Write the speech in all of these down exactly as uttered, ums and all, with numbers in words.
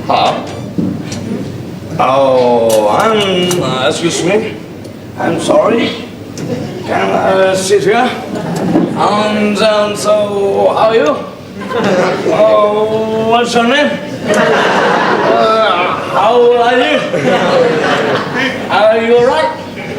Huh? Oh, I'm, uh, excuse me. I'm sorry. Can I sit here? Um, um, so, how are you? Oh, what's your name? Uh, how old are you? Are you alright?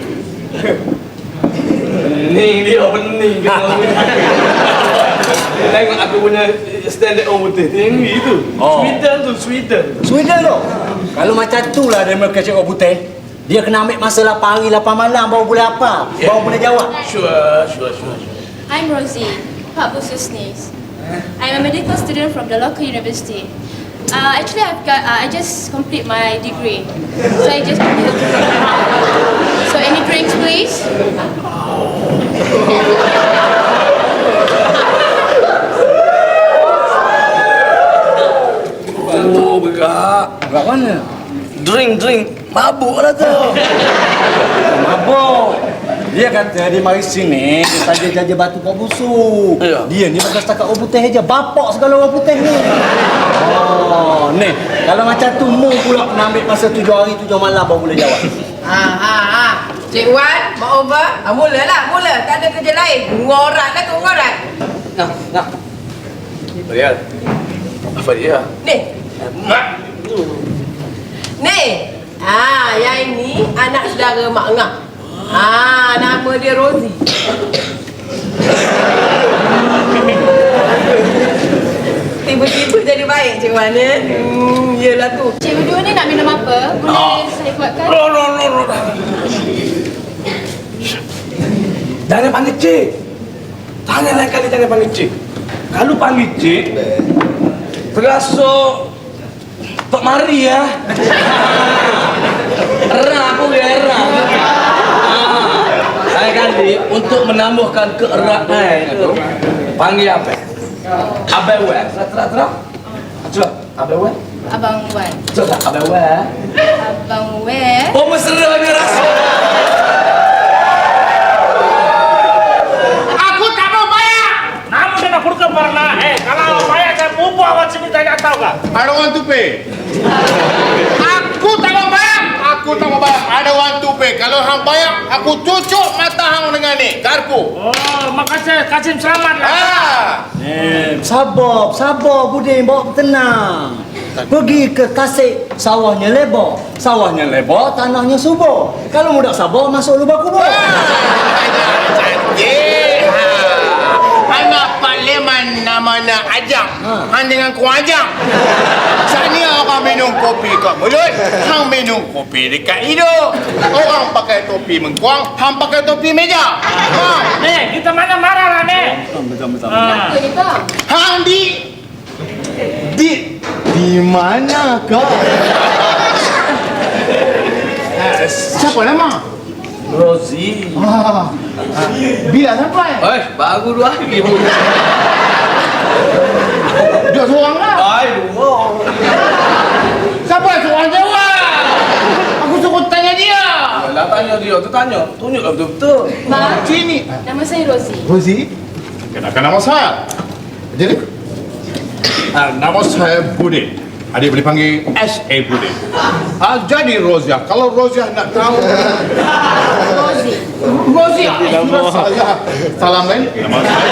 Ni dia pening kan. Tengok aku punya standard orang putih. Tinggi tu. Oh. Sweden tu, Sweden. Sweden tu. Kalau macam tu lah dia mereka cakap orang putih. Dia kena ambil masa lapan hari, lapan malam baru boleh apa? Yeah. Baru boleh jawab. Sure, sure, sure, sure. I'm Rosie, Pak Bususnis. I'm a medical student from the local university. Uh, actually, I've got, uh, I just complete my degree. So I just complete the degree. So any drinks, please? Oh, begak. Kat mana? Drink, drink. Mabuk lah tu. Mabuk. Dia kata dia mari sini, dia saja jaja batu kau busuk. Ya. Dia ni bukan setakat orang putih aja, bapak segala orang putih ni. Oh, ni. Kalau macam tu mu pula kena ambil masa tujuh hari tujuh malam baru boleh jawab. Ha ha ha. Cik Wan, Mak Over, ha, mulalah, mula. Tak ada kerja lain. Ngorat lah tu, ngorat. Nak, nak. Fadial. Apa dia? Ni. Mak. Ni. Ha, yang ini anak saudara Mak Ngah. Ha, nama dia Rosie. Tiba-tiba jadi baik Cik Wan ya. Hmm, yelah tu. Cik berdua ni nak minum apa? Boleh saya buatkan? No, no, no, no. Jangan panggil cik. Jangan lain kali jangan panggil cik. Kalau panggil cik, terasa Tok Mari ya. Erah aku ya, erah. Lain kali untuk menambahkan keeraan itu, panggil apa? Abang Wan. Terang, terang. Coba, Abang Wan. Abang Wan. Coba, Abang Wan. Abang Wan. Oh, mesra ni rasa. Aku tak mau bayar. Namun kena purka pernah. Eh, kalau bayar saya bubu awak sini tak tahu kah? I don't want to pay. Aku tak mau bayar. Aku tak mau bayar. I don't want to pay. Kalau hang bayar, aku cucuk mata hang dengan ni. Garpu. Oh, makasih Kasim selamat lah. Ah. Eh, sabar, sabar Budin, bawa tenang. Pergi ke Tasik, sawahnya lebar. Sawahnya lebar, tanahnya subur. Kalau mudak sabar, masuk lubang kubur. Cantik. Ha. Anak parlimen namanya Ajang. Ha. Hang dengan ku Ajang. Sana orang minum kopi kat mulut, hang minum kopi dekat hidung. Orang pakai topi mengkuang, hang pakai topi meja. Ha. Nih, kita mana marah lah nih. Betul-betul. Ah. Apa ni bang? Hang di di di mana kau? Eh, siapa nama? Rosie. Ah, ah, bila sampai? Eh, baru dua hari. Dia seorang lah. Ai, dua. Siapa yang seorang jawab? Aku suruh tanya dia. Lah tanya dia, tu tanya. Tunjuklah betul-betul. Bang, Sini. nama saya Rosie. Rosie? Kenalkan nama saya. Jadi, ah, nama saya Budin. Adik boleh panggil S A Budin. Ah, jadi Rosia. Kalau Rosia nak tahu. Rosie. Rosia. Nama saya. Salam lain. Nama saya.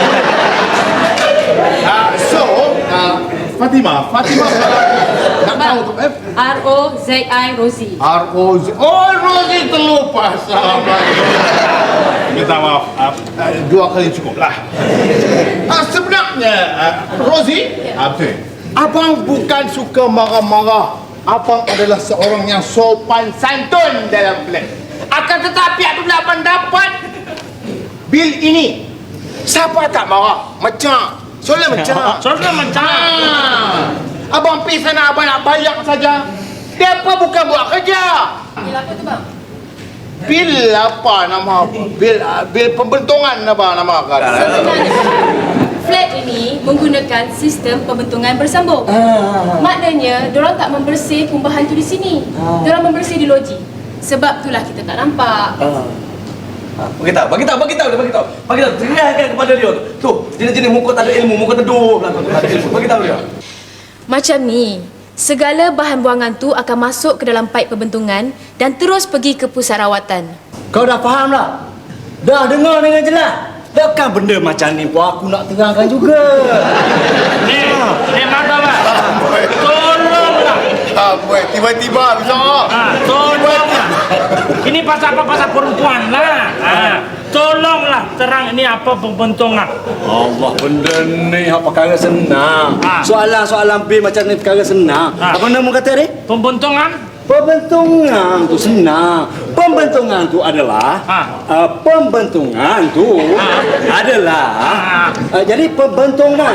Ah, so, ah, Fatima. Fatima. Nak tahu tu? Eh? R O Z I Rosie. R O Z. Oh, Rosie terlupa. Salam lagi. Minta maaf. Ah, ah, dua kali cukup lah. Ah, sebenarnya, ah, Rosie. Ya. Apa? Abang bukan suka marah-marah. Abang adalah seorang yang sopan santun dalam flat. Akan tetapi apabila abang dapat bil ini, siapa tak marah? Macam. Soalnya macam. Soalnya macam. Ah. Abang pergi sana, abang nak bayar saja. Dia apa bukan buat kerja. Bil apa tu bang? Bil apa nama apa? Bil bil pembentungan apa nama kan? Flat ini menggunakan sistem pembentungan bersambung. Ah. Maknanya, diorang tak membersih kumbahan tu di sini. Ah. Diorang membersih di loji. Sebab itulah kita tak nampak. Ah. Bagi tahu, bagi tahu, bagi tahu dia, bagi tahu. Bagi tahu, teriakkan kepada dia. Tu, jenis-jenis muka tak ada ilmu, muka teduh lah tu. Tak ada ilmu. Bagi tahu dia. Macam ni, Segala bahan buangan tu akan masuk ke dalam paip pembentungan dan terus pergi ke pusat rawatan. Kau dah faham tak? Dah dengar dengan jelas. Takkan benda macam ni pun aku nak terangkan juga. Ni, ni mana bang? Tolonglah. Ah, boy, tiba-tiba bisa. Ah, tolonglah. Ini pasal apa? Pasal perempuan lah. Ah, tolonglah terang ini apa pembentungan. Allah, benda ni hak perkara senang. Ha. Soalan-soalan bil macam ni perkara senang. Ha. Apa nama kata ni? Pembentungan? Pembentungan tu senang. Pembentungan tu adalah Ha. uh, pembentungan tu Ha. adalah Ha. uh, jadi pembentungan.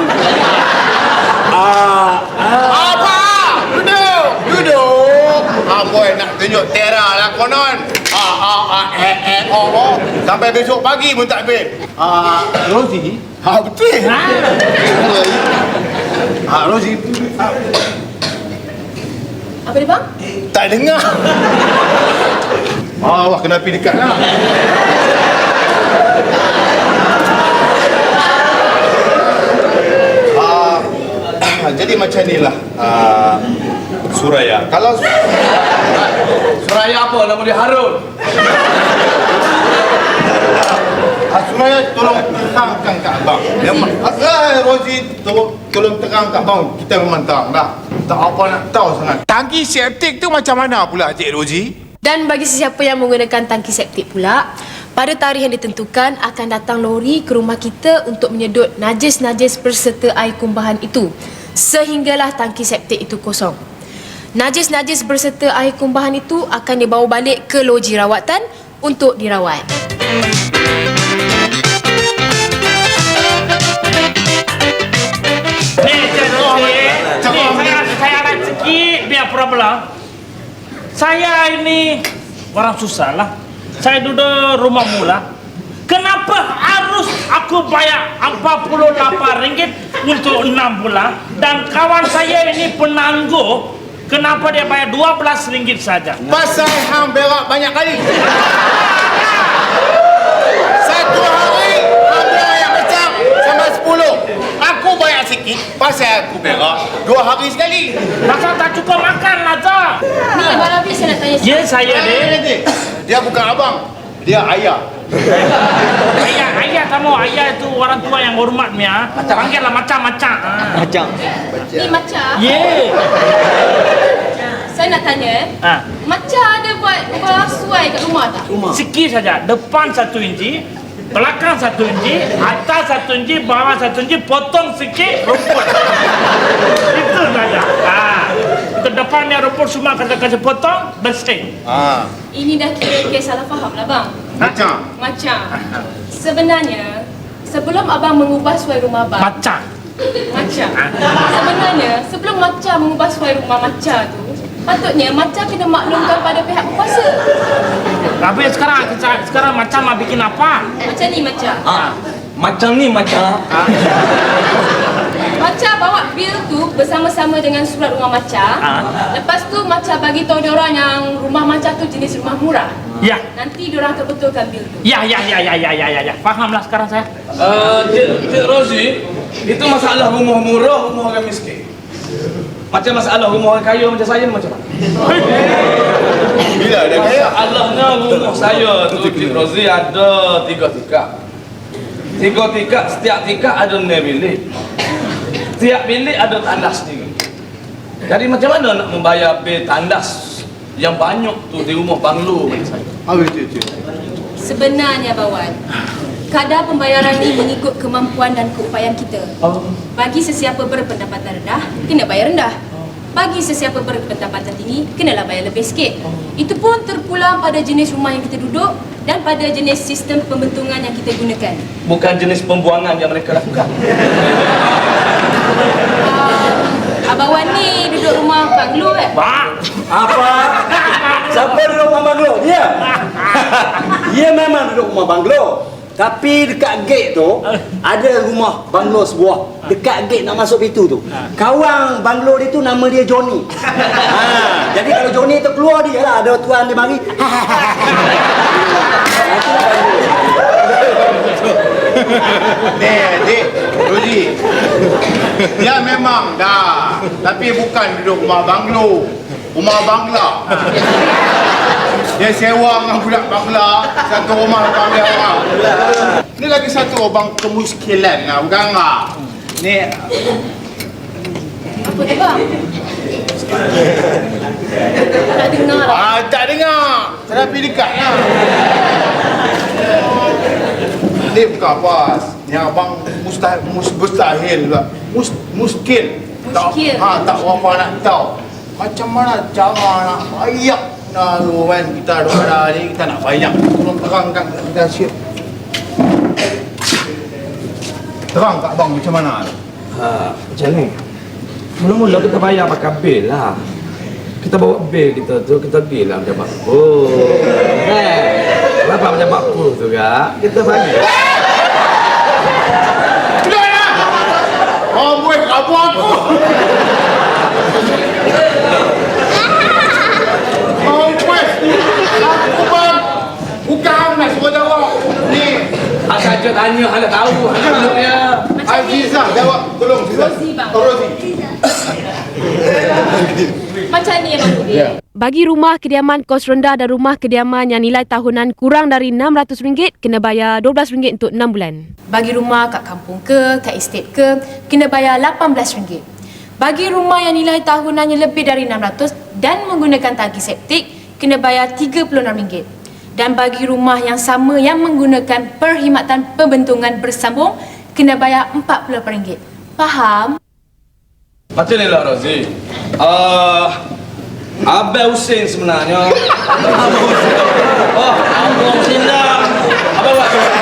Ah, ah. Apa? Duduk, duduk. Ah, boy, nak tunjuk tera lah konon. Ah, ah, ah, eh, eh, oh, oh. Sampai besok pagi pun tak habis. Ah, Rosie. Ah, betul. Ah, Rosie. Ah, Apa dia bang? tak dengar. Ah, wah, kena pergi dekat lah. Ah, jadi macam ni lah. Ah, Suraya. Kalau Suraya apa? Nama dia Harun. Ah, Suraya tolong terangkan kat abang. Memang ah, Rosie tolong tolong terang kat abang. Kita memang terang dah. Tak apa nak tahu sangat. Tangki septik tu macam mana pula Cik Rosie? Dan bagi sesiapa yang menggunakan tangki septik pula, pada tarikh yang ditentukan akan datang lori ke rumah kita untuk menyedut najis-najis berserta air kumbahan itu sehinggalah tangki septik itu kosong. Najis-najis berserta air kumbahan itu akan dibawa balik ke loji rawatan untuk dirawat. Ni, Cik Rosie. Ni, saya, saya ada sikit biar problem. Saya ini orang susah lah. Saya duduk rumah mula. Kenapa harus aku bayar empat puluh lapan ringgit untuk enam bulan? Dan kawan saya ini penangguh. Kenapa dia bayar dua belas ringgit saja? Pasal hang berak banyak kali. Satu hari hang berak yang macam sama sepuluh. Aku bayar sikit pasal aku berak dua hari sekali. Pasal tak cukup makan lah, Zah. Ni Abang Rafi saya nak tanya Ya, saya Dia, deh. dia bukan abang, dia ayah. Ayah, ayah kamu, ayah itu orang tua yang hormat Mia. Panggillah macam-macam. Ah. Macam. ni macam. Yeah. Saya nak tanya eh. Ah. Macam ada buat ubah suai kat rumah tak? Rumah. Sikit saja. Depan satu inci, belakang satu inci, atas satu inci, bawah satu inci, potong sikit rumput. Itu saja. Ah. Itu depannya rumput semua kata kasih potong, bersih. Ah, Ini dah kira kes salah faham lah bang. macam. Macam sebenarnya sebelum abang mengubah suai rumah abang, Macam. macam sebenarnya sebelum macam mengubah suai rumah macam tu, patutnya macam kena maklumkan pada pihak berkuasa. Tapi sekarang sekarang macam nak bikin apa? Macam ni macam. Ah, macam ni macam. Ah. Macam bawa bil tu bersama-sama dengan surat rumah macam. Ah. Lepas tu macam bagi tahu diorang yang rumah macam tu jenis rumah murah. Ya. Nanti diorang akan betulkan bil tu. Ya, ya, ya, ya, ya, ya, ya, ya. Fahamlah sekarang saya. Uh, Cik, Cik Rosie, itu masalah rumah murah, rumah orang miskin. Macam masalah rumah orang kaya macam saya ni macam mana? Bila dia kaya? Masalahnya rumah saya tu Cik Rosie ada tiga tingkat. Tiga tingkat, setiap tingkat ada enam bilik. Setiap bilik ada tandas sendiri. Jadi macam mana nak membayar bil tandas yang banyak tu di rumah banglo macam saya? Ah, betul, betul. Sebenarnya Bawan, kadar pembayaran ni mengikut kemampuan dan keupayaan kita. Bagi sesiapa berpendapatan rendah, kena bayar rendah. Bagi sesiapa berpendapatan tinggi, kenalah bayar lebih sikit. Itu pun terpulang pada jenis rumah yang kita duduk dan pada jenis sistem pembentungan yang kita gunakan. Bukan jenis pembuangan yang mereka lakukan. Uh, Abang Wan ni duduk rumah banglo kan? Pak. Apa? Siapa duduk rumah banglo? Dia. Dia memang duduk rumah banglo. Tapi dekat gate tu ada rumah banglo sebuah. Dekat gate nak masuk pintu tu. Kawan banglo dia tu nama dia Johnny. Ha, jadi kalau Johnny tu keluar dia lah, ada tuan dia mari. Ni, adik, Rozi. Dia memang dah, tapi bukan duduk rumah banglo, rumah bangla. Dia sewa dengan budak bangla, satu rumah bangla orang. Ni lagi satu abang kemuskilan lah, bukan ah. Ni Apa tu bang? Tak dengar lah. ah tak dengar. Terapi dekat lah. Ni bukan pas. Ni abang mustahil, mus, mustahil pula. Mus, muskil. Tak, Muskil. ha, tak berapa nak tahu. Macam mana cara nak bayak nak tu kan. Kita ada ni, kita nak bayak. Tolong terangkan kita siap. Terang kat abang macam mana? Ha, macam ni. Mula-mula kita bayar pakai bil lah. Kita bawa bil kita tu, kita pergi lah macam apa. Eh, berapa macam apa tu kak? Kita bagi. Sudah lah! Oh, buat apa aku? Oh, buat. Aku bang. Bukan nak suruh jawab. Ni. Asal je tanya, anda tahu. Anda tahu ya. Azizah, jawab. Tolong, Azizah. Rozi, bang. Oh, Rozi. Macam ni Abang Budi. Bagi rumah kediaman kos rendah dan rumah kediaman yang nilai tahunan kurang dari enam ratus ringgit, kena bayar dua belas ringgit untuk enam bulan. Bagi rumah kat kampung ke, kat estate ke, kena bayar lapan belas ringgit. Bagi rumah yang nilai tahunannya lebih dari enam ratus dan menggunakan tangki septik, kena bayar tiga puluh enam ringgit. Dan bagi rumah yang sama yang menggunakan perkhidmatan pembentungan bersambung, kena bayar empat puluh lapan ringgit. Faham? Macam ni lah Rozi. Uh, Abang Hussein sebenarnya. Abang Hussein. Oh, Abang Hussein dah. Abang buat tu.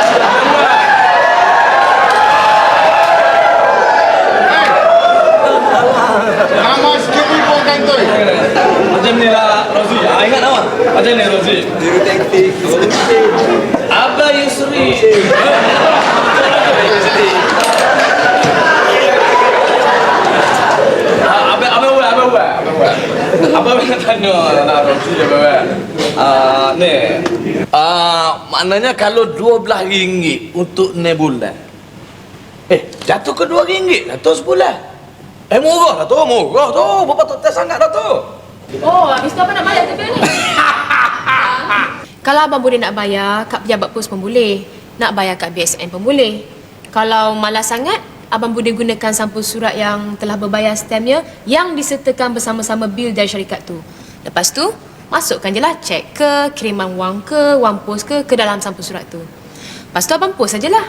Nama sekali pun kantoi. Macam ni lah Rozi. Ah, ingat nama? Macam ni Rozi. Abang Yusri. Abang nak tanya nak Rozi abang. Ah ni. Ah maknanya kalau dua belas ringgit untuk ni bulan. Eh, jatuh ke dua ringgit lah tu sebulan. Eh murah lah tu, murah tu. Berapa tu tak sangat dah tu. Oh, habis tu apa nak bayar tu bil ni? Kalau Abang Budi nak bayar kat pejabat pos pun boleh. Nak bayar kat B S N pun boleh. Kalau malas sangat, Abang Budi gunakan sampul surat yang telah berbayar stemnya yang disertakan bersama-sama bil dari syarikat tu. Lepas tu, masukkan je lah cek ke, kiriman wang ke, wang pos ke ke dalam sampul surat tu. Lepas tu Abang pos sajalah.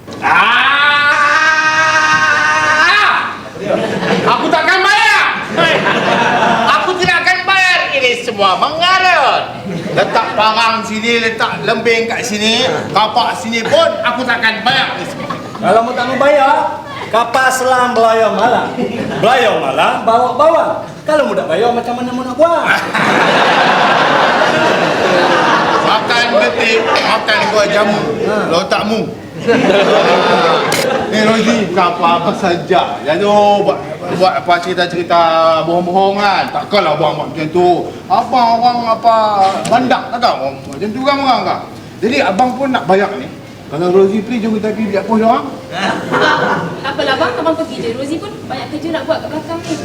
Ah! Aku takkan bayar. Aku tidak akan bayar. Ini semua mengarut. Letak barang sini, letak lembing kat sini, kapak sini pun aku takkan bayar ni semua. Kalau mau tak mau bayar, kapal selam belayar malam. Belayar malam, bawa-bawa. Kalau mau tak bayar, macam mana mau nak buat? Makan getik, makan buah jamu. Lotakmu. Ni Rozi, bukan apa-apa saja. Jadi buat buat apa cerita-cerita bohong-bohongan. Takkanlah buang macam tu. Abang orang apa bandak tak tahu. Macam tu kan orang kan. Jadi abang pun nak bayar ni. Kalau Rozi pergi, jom kita pergi biar pos dia orang. Tak apalah bang, Abang pergi je. Rozi pun banyak kerja nak buat kat belakang ni.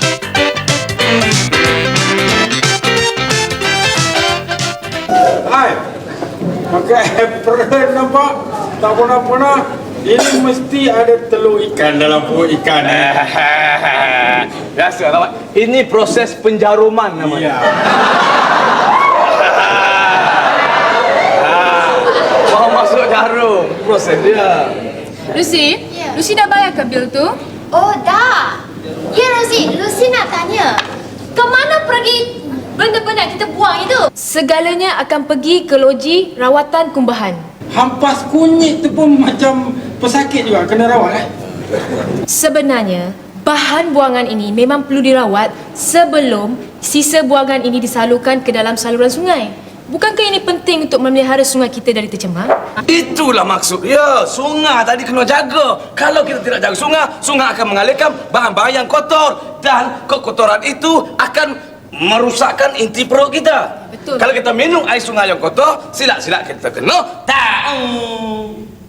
Hai, pakai apron nampak? Tak pernah-pernah. Ini mesti ada telur ikan dalam perut ikan. Biasa lah. Ini proses penjaruman namanya. Ya. Mau masuk jarum, proses dia. Lucy, Ya. Lucy dah bayar ke bil tu? Oh dah. Ya Rozi, Lucy nak tanya. Kemana pergi benda-benda yang kita buang itu? Segalanya akan pergi ke loji rawatan kumbahan. Hampas kunyit tu pun macam pesakit juga, kena rawat eh. Sebenarnya, bahan buangan ini memang perlu dirawat sebelum sisa buangan ini disalurkan ke dalam saluran sungai. Bukankah ini penting untuk memelihara sungai kita dari tercemar? Itulah maksud dia. Sungai tadi kena jaga. Kalau kita tidak jaga sungai, sungai akan mengalirkan bahan-bahan yang kotor. Dan kekotoran itu akan merusakkan inti perut kita. Betul. Kalau kita minum air sungai yang kotor, silap-silap kita kena tahu.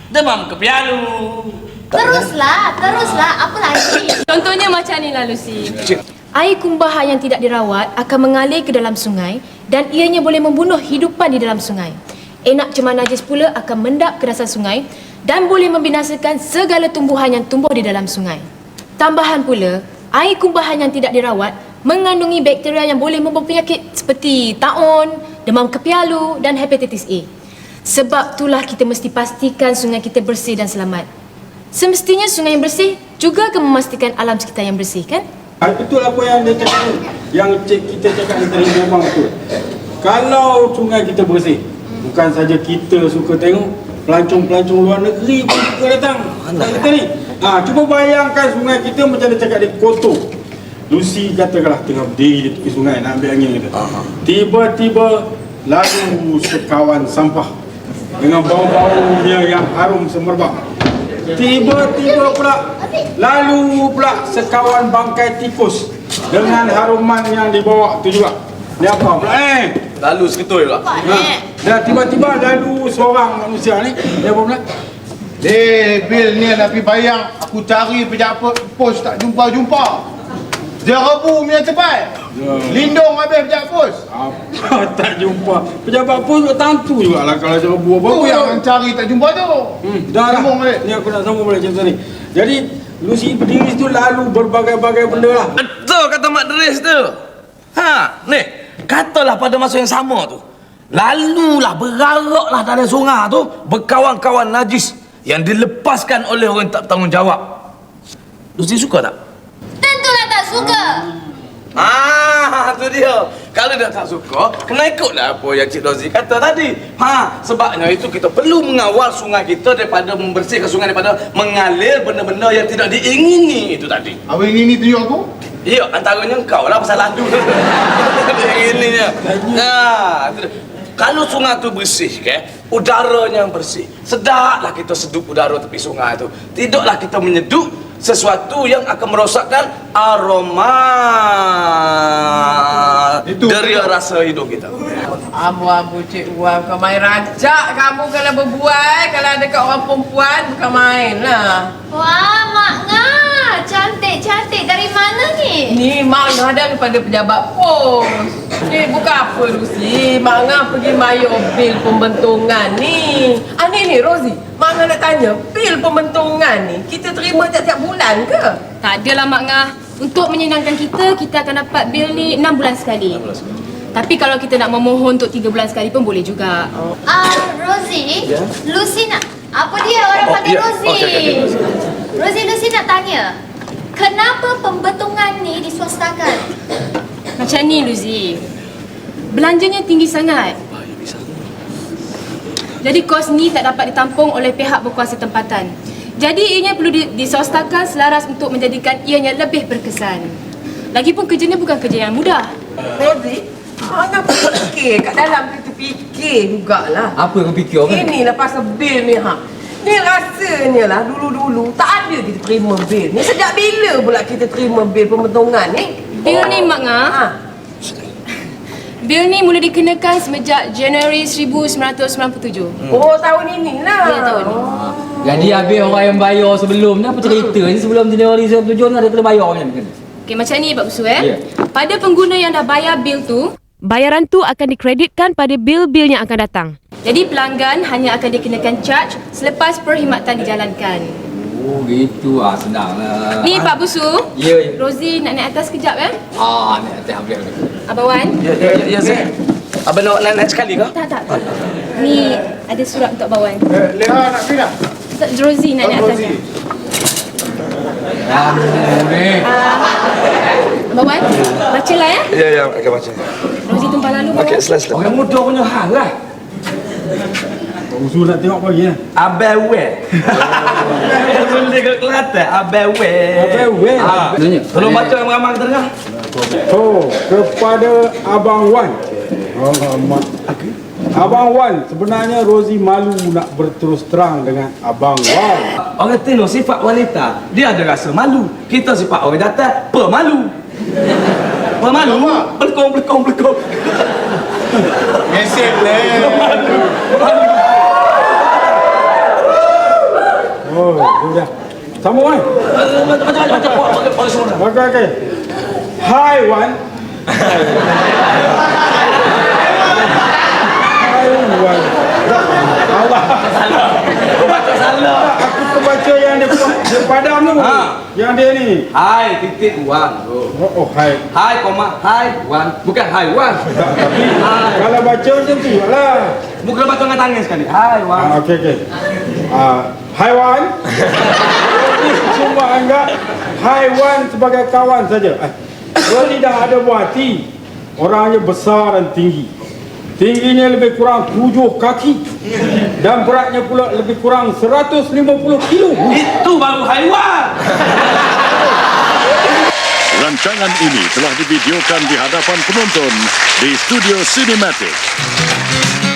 demam kepialu. Teruslah, teruslah. Apa lagi? Contohnya macam ni lah Lucy. Air kumbah yang tidak dirawat akan mengalir ke dalam sungai dan ianya boleh membunuh hidupan di dalam sungai. Enak cemar najis pula akan mendap ke dasar sungai dan boleh membinasakan segala tumbuhan yang tumbuh di dalam sungai. Tambahan pula, air kumbahan yang tidak dirawat mengandungi bakteria yang boleh membawa penyakit seperti taun, demam kepialu dan hepatitis A. Sebab itulah kita mesti pastikan sungai kita bersih dan selamat. Semestinya sungai yang bersih juga akan memastikan alam sekitar yang bersih, kan? Ah, betul apa yang dia cakap tu. Yang cik, kita cakap ni tadi memang betul. Kalau sungai kita bersih, bukan saja kita suka tengok, pelancong-pelancong luar negeri pun suka datang. Tak kita ni. Ha, cuba bayangkan sungai kita macam dia cakap dia kotor. Lucy katakanlah tengah berdiri di tepi sungai nak ambil angin kita. Tiba-tiba lalu sekawan sampah dengan bau-baunya yang harum semerbak. Tiba-tiba pula lalu pula sekawan bangkai tikus dengan haruman yang dibawa tu juga. Ni apa pula eh? Lalu seketui pula. Ha. Dan tiba-tiba lalu seorang manusia ni, dia apa pula? Eh, Bil ni nak pergi bayang. Aku cari pejabat pos tak jumpa-jumpa. Dia rebu punya tempat. Ya. Lindung habis pejabat pos. Apa tak jumpa? Pejabat pun tentu jugalah kalau dia rebu apa. Tu yang mencari tak jumpa tu. Hmm, dah lah. Sambung balik. Ni aku nak sambung balik cerita ni. Jadi Lucy berdiri situ lalu berbagai-bagai benda lah. Betul kata Mak Deris tu. Ha, ni, katalah pada masa yang sama tu. Lalulah beraraklah dalam sungai tu berkawan-kawan najis yang dilepaskan oleh orang tak bertanggungjawab. Lucy suka tak? Tentulah tak suka. Ah, tu dia. Kalau dia tak suka, kena ikutlah apa yang Cik Rozi kata tadi. Ha, sebabnya itu kita perlu mengawal sungai kita daripada membersihkan sungai daripada mengalir benda-benda yang tidak diingini itu tadi. Apa ini ni tunjuk aku? Ya, antaranya engkau lah pasal lalu. Ininya. Nah, itu dia. Kalau sungai tu bersih, ke, udaranya yang bersih. Sedaplah kita sedup udara tepi sungai tu. Tidaklah kita menyeduk sesuatu yang akan merosakkan aroma Itu dari rasa hidup kita. Abu-abu Cik Wan, bukan main rajak kamu kalau berbual. Kalau ada kat orang perempuan, bukan main lah. Wah, Mak Ngah. Cantik-cantik. Dari mana ni? Ni Mak Ngah daripada pejabat pos. Ni bukan apa Lucy. Mak Ngah pergi bayar bil pembentungan ni. Ah ni ni Rosie. Mak Ngah nak tanya, bil pembentungan ni kita terima tiap-tiap bulan ke? Tak adalah Mak Ngah. Untuk menyenangkan kita, kita akan dapat bil ni enam bulan sekali. Tapi kalau kita nak memohon untuk tiga bulan sekali pun boleh juga. Ah, Rosie. Ya? Lucy nak... Apa dia orang Oh, panggil ya. Rosie? Okey, okey, okey. Rosie, Lucy nak tanya. Kenapa pembentungan ni diswastakan? Macam ni Luzi. Belanjanya tinggi sangat. Jadi kos ni tak dapat ditampung oleh pihak berkuasa tempatan. Jadi ianya perlu di- diswastakan selaras untuk menjadikan ianya lebih berkesan. Lagipun kerjanya bukan kerja yang mudah. Rosie, Mak Ngah fikir kat dalam kita fikir jugalah. Apa yang kau fikir kan? Inilah pasal bil ni ha. Ni rasanya lah dulu-dulu tak ada kita terima bil ni. Sejak bila pula kita terima bil pembentungan ni? Bil ni Mak Ngah, Ha. bil ni mula dikenakan semenjak Januari seribu sembilan ratus sembilan puluh tujuh. Oh tahun inilah. Ya, tahun ni. Jadi habis orang yang bayar sebelum ni apa cerita ni sebelum Januari sembilan puluh tujuh ni ada kena bayar macam ni. Okey, macam ni Pak Busu eh. Ya. Pada pengguna yang dah bayar bil tu, Bayaran tu akan dikreditkan pada bil-bil yang akan datang. jadi pelanggan hanya akan dikenakan charge selepas perkhidmatan dijalankan. Oh gitu ah, senang lah. Ni Pak Busu. Ya, ya. Rosie nak naik atas kejap eh. Ah, ni atas ambil ni. Abang Wan. Ya, ya, ya, ya, Zek. Abang nak naik sekali ke? Tak, tak, tak. Ni ada surat untuk Abang Wan. Eh, Leha nak pergi dah? Ustaz Rosie nak naik atasnya. Kamu ni. Abang Wan, bacalah ya. Ya, ya, akan baca. Rosie tumpah lalu Abang Okey, Wan. sila, sila. Orang muda punya hal lah. Usul nak tengok pagi lah. Abang Wan. Boleh ke Kelantan? Abang Wan. Abang Wan. Ah. Tolong baca ramai-ramai kita dengar. Oh, kepada Abang Wan. Alamak. Abang Wan, sebenarnya Rosie malu nak berterus terang dengan Abang Wan. Orang tengok sifat wanita, dia ada rasa malu. Kita sifat orang jantan, pemalu. Pemalu, belekong, belekong, belekong. Mesej le. Sambung kan? Macam macam macam macam orang semua. Okey okey. Haiwan. Haiwan. Allah. Baca salah. Aku terbaca yang dia, dia padam tu. Ha. Yang dia ni. Hai titik wan. Oh. Oh, oh hai. Hai koma hai wan. Bukan hai wan. Tapi kalau baca macam tu lah. Bukan baca dengan tangan sekali. Hai wan. Ah, okey okey. Ah, haiwan. Cuma anggap haiwan sebagai kawan saja. Eh, Rodi dah ada buah hati. Orangnya besar dan tinggi. Tingginya lebih kurang tujuh kaki. Dan beratnya pula lebih kurang seratus lima puluh kilo. Itu baru haiwan. Rancangan ini telah divideokan di hadapan penonton di Studio Cinematic.